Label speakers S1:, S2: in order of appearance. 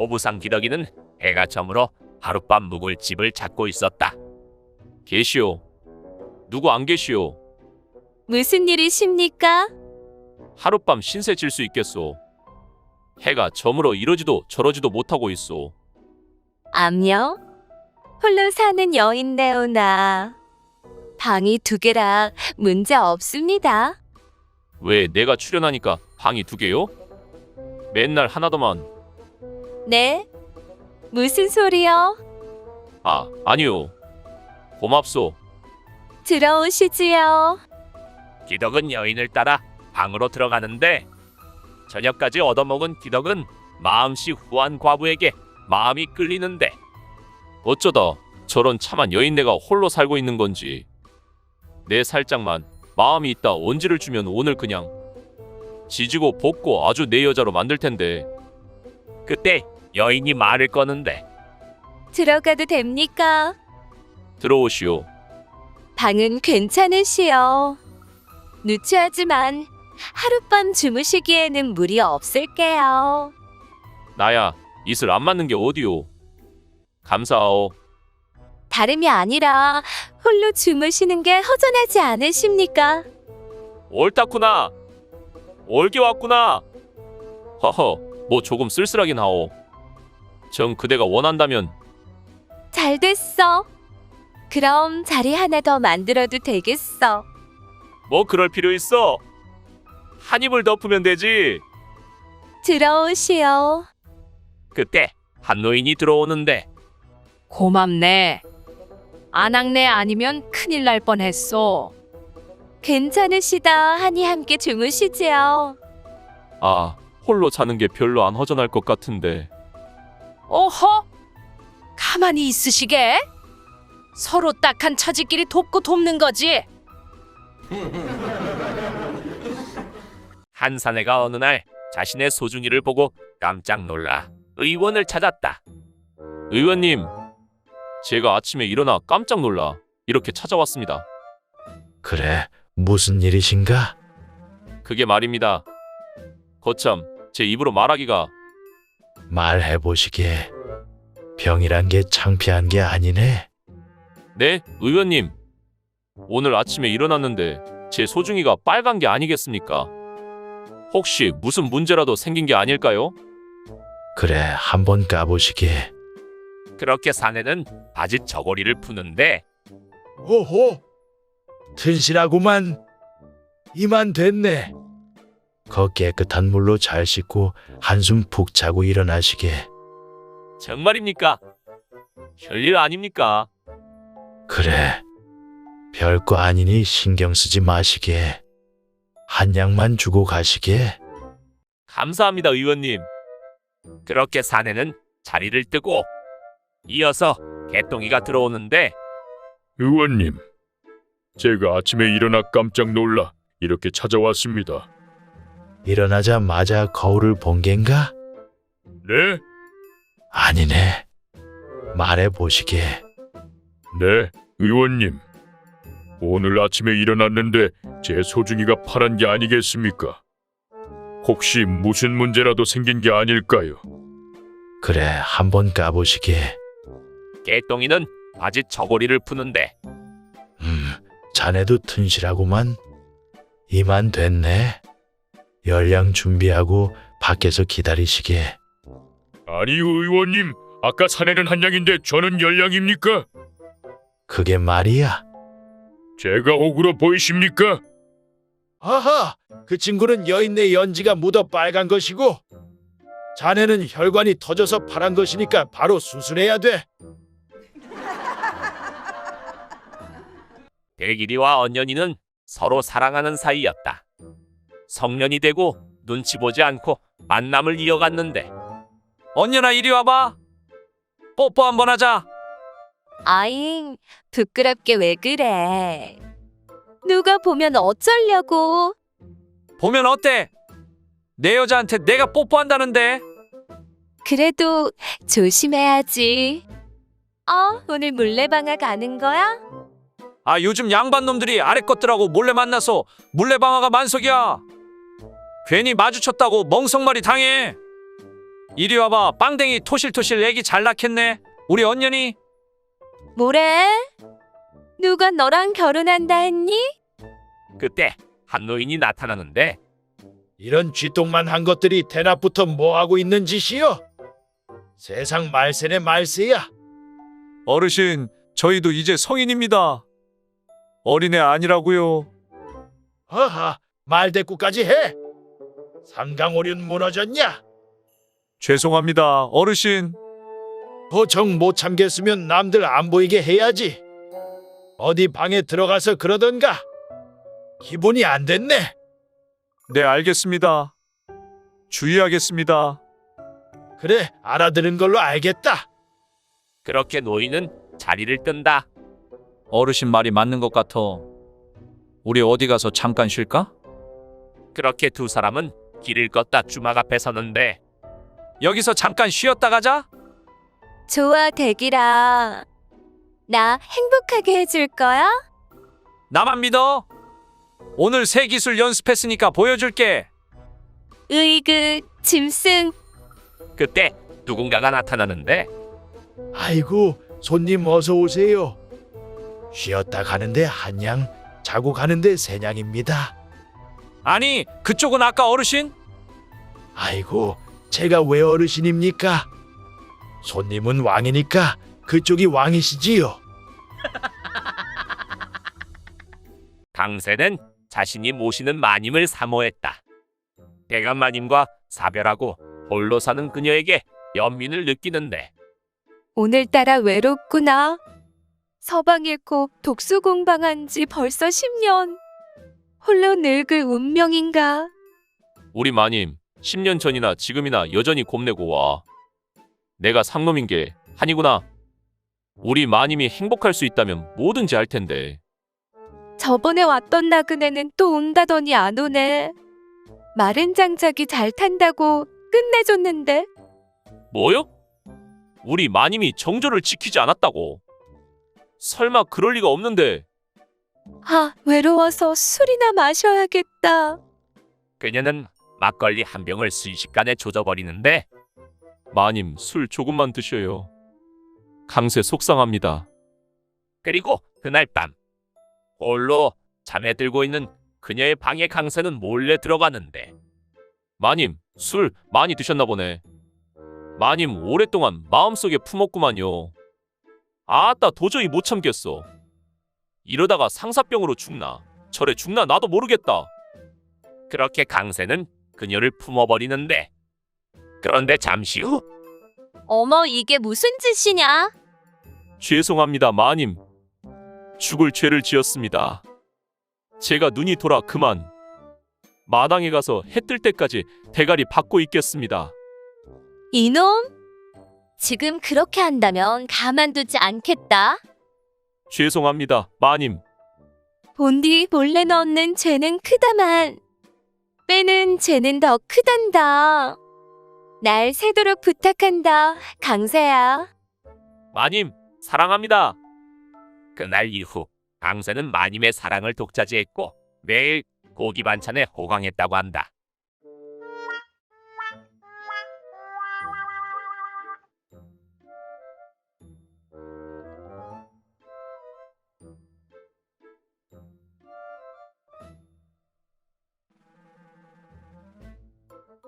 S1: 오부상 기덕이는 해가 저물어 하룻밤 묵을 집을 찾고 있었다. 계시오. 누구 안 계시오?
S2: 무슨 일이십니까?
S1: 하룻밤 신세 질 수 있겠소. 해가 저물어 이러지도 저러지도 못하고 있소.
S2: 암요? 홀로 사는 여인네오나. 방이 2개라 문제 없습니다.
S1: 왜 내가 출연하니까 방이 2개요? 맨날 하나더만.
S2: 네? 무슨 소리요?
S1: 아, 아니요. 고맙소.
S2: 들어오시지요.
S1: 기덕은 여인을 따라 방으로 들어가는데 저녁까지 얻어먹은 기덕은 마음씨 후한 과부에게 마음이 끌리는데 어쩌다 저런 참한 여인네가 홀로 살고 있는 건지. 내 살짝만 마음이 있다 온지를 주면 오늘 그냥 지지고 볶고 아주 내 여자로 만들 텐데. 그때 여인이 말을 꺼는데
S2: 들어가도 됩니까?
S1: 들어오시오.
S2: 방은 괜찮으시오. 누추하지만 하룻밤 주무시기에는 무리 없을게요.
S1: 나야 이슬 안 맞는 게 어디오. 감사하오.
S2: 다름이 아니라 홀로 주무시는 게 허전하지 않으십니까?
S1: 옳다구나. 올게 왔구나. 허허, 뭐 조금 쓸쓸하긴 하오. 정 그대가 원한다면.
S2: 잘 됐어. 그럼 자리 하나 더 만들어도 되겠어.
S1: 뭐 그럴 필요 있어. 한 입을 덮으면 되지.
S2: 들어오시오.
S1: 그때 한 노인이 들어오는데
S3: 고맙네. 안악내 아니면 큰일 날 뻔했어.
S2: 괜찮으시다 하니 함께 주무시지요.
S1: 아, 홀로 자는 게 별로 안 허전할 것 같은데.
S3: 어허? 가만히 있으시게? 서로 딱한 처지끼리 돕고 돕는 거지.
S1: 한 사내가 어느 날 자신의 소중이를 보고 깜짝 놀라 의원을 찾았다. 의원님, 제가 아침에 일어나 깜짝 놀라 이렇게 찾아왔습니다.
S4: 그래, 무슨 일이신가?
S1: 그게 말입니다. 거참 제 입으로 말하기가.
S4: 말해보시게. 병이란 게 창피한 게 아니네.
S1: 네, 의원님. 오늘 아침에 일어났는데 제 소중이가 빨간 게 아니겠습니까? 혹시 무슨 문제라도 생긴 게 아닐까요?
S4: 그래, 한번 까보시게.
S1: 그렇게 사내는 바지 저고리를 푸는데
S4: 오호, 튼실하구만. 이만 됐네. 거 깨끗한 물로 잘 씻고 한숨 푹 자고 일어나시게.
S1: 정말입니까? 별일 아닙니까?
S4: 그래, 별거 아니니 신경 쓰지 마시게. 한 약만 주고 가시게.
S1: 감사합니다, 의원님. 그렇게 사내는 자리를 뜨고 이어서 개똥이가 들어오는데
S5: 의원님, 제가 아침에 일어나 깜짝 놀라 이렇게 찾아왔습니다.
S4: 일어나자마자 거울을 본 겐가?
S5: 네?
S4: 아니네. 말해보시게.
S5: 네, 의원님. 오늘 아침에 일어났는데 제 소중이가 파란 게 아니겠습니까? 혹시 무슨 문제라도 생긴 게 아닐까요?
S4: 그래, 한번 까보시게.
S1: 개똥이는 바지 저고리를 푸는데
S4: 자네도 튼실하구만. 이만 됐네. 열량 준비하고 밖에서 기다리시게.
S5: 아니요, 의원님. 아까 사내는 한 양인데 저는 열량입니까?
S4: 그게 말이야.
S5: 제가 억울해 보이십니까?
S4: 아하, 그 친구는 여인네 연지가 묻어 빨간 것이고 자네는 혈관이 터져서 파란 것이니까 바로 수술해야 돼.
S1: 대길이와 언년이는 서로 사랑하는 사이였다. 성년이 되고 눈치 보지 않고 만남을 이어갔는데 언년아 이리 와봐. 뽀뽀 한번 하자.
S2: 아잉, 부끄럽게 왜 그래? 누가 보면 어쩌려고?
S1: 보면 어때? 내 여자한테 내가 뽀뽀한다는데.
S2: 그래도 조심해야지. 오늘 물레방아 가는 거야?
S1: 아, 요즘 양반 놈들이 아래 것들하고 몰래 만나서 물레방아가 만석이야. 괜히 마주쳤다고 멍석말이 당해.
S6: 이리 와봐. 빵댕이 토실토실 애기 잘 낳겠네. 우리 언년이.
S2: 뭐래? 누가 너랑 결혼한다 했니?
S1: 그때 한 노인이 나타나는데
S4: 이런 쥐똥만 한 것들이 대낮부터 뭐 하고 있는 짓이여? 세상 말세네 말세야.
S6: 어르신, 저희도 이제 성인입니다. 어린애 아니라고요.
S4: 하하, 말대꾸까지 해. 삼강오륜 무너졌냐?
S6: 죄송합니다, 어르신.
S4: 도청 못 참겠으면 남들 안 보이게 해야지. 어디 방에 들어가서 그러던가. 기분이 안 됐네.
S6: 네, 알겠습니다. 주의하겠습니다.
S4: 그래, 알아들은 걸로 알겠다.
S1: 그렇게 노인은 자리를 뜬다.
S6: 어르신 말이 맞는 것 같아. 우리 어디 가서 잠깐 쉴까?
S1: 그렇게 두 사람은 길을 걷다 주막 앞에 서는데
S6: 여기서 잠깐 쉬었다 가자.
S2: 좋아, 대기라. 나 행복하게 해줄 거야?
S6: 나만 믿어. 오늘 새 기술 연습했으니까 보여줄게.
S2: 으이그, 짐승.
S1: 그때 누군가가 나타나는데
S4: 아이고, 손님 어서 오세요. 쉬었다 가는데 한 양, 자고 가는데 세 냥입니다.
S6: 아니, 그쪽은 아까 어르신?
S4: 아이고, 제가 왜 어르신입니까? 손님은 왕이니까 그쪽이 왕이시지요.
S1: 강세는 자신이 모시는 마님을 사모했다. 대감 마님과 사별하고 홀로 사는 그녀에게 연민을 느끼는데
S2: 오늘따라 외롭구나. 서방 잃고 독수 공방한 지 벌써 10년. 홀로 늙을 운명인가?
S1: 우리 마님 10년 전이나 지금이나 여전히 곱내고 와. 내가 상놈인 게 한이구나. 우리 마님이 행복할 수 있다면 뭐든지 할 텐데.
S2: 저번에 왔던 나그네는 또 온다더니 안 오네. 마른 장작이 잘 탄다고 끝내줬는데.
S1: 뭐요? 우리 마님이 정조를 지키지 않았다고. 설마 그럴 리가 없는데.
S2: 아, 외로워서 술이나 마셔야겠다.
S1: 그녀는 막걸리 한 병을 순식간에 조져버리는데
S6: 마님, 술 조금만 드셔요. 강세 속상합니다.
S1: 그리고 그날 밤 홀로 잠에 들고 있는 그녀의 방에 강세는 몰래 들어가는데 마님, 술 많이 드셨나 보네. 마님 오랫동안 마음속에 품었구만요. 아따 도저히 못 참겠어. 이러다가 상사병으로 죽나 절에 죽나 나도 모르겠다. 그렇게 강세는 그녀를 품어버리는데 그런데 잠시 후
S2: 어머, 이게 무슨 짓이냐?
S6: 죄송합니다, 마님. 죽을 죄를 지었습니다. 제가 눈이 돌아 그만. 마당에 가서 해 뜰 때까지 대가리 받고 있겠습니다.
S2: 이놈? 지금 그렇게 한다면 가만두지 않겠다.
S6: 죄송합니다, 마님.
S2: 본디 몰래 넣는 죄는 크다만 빼는 죄는 더 크단다. 날 새도록 부탁한다, 강세야.
S1: 마님 사랑합니다. 그날 이후 강세는 마님의 사랑을 독차지했고 매일 고기 반찬에 호강했다고 한다.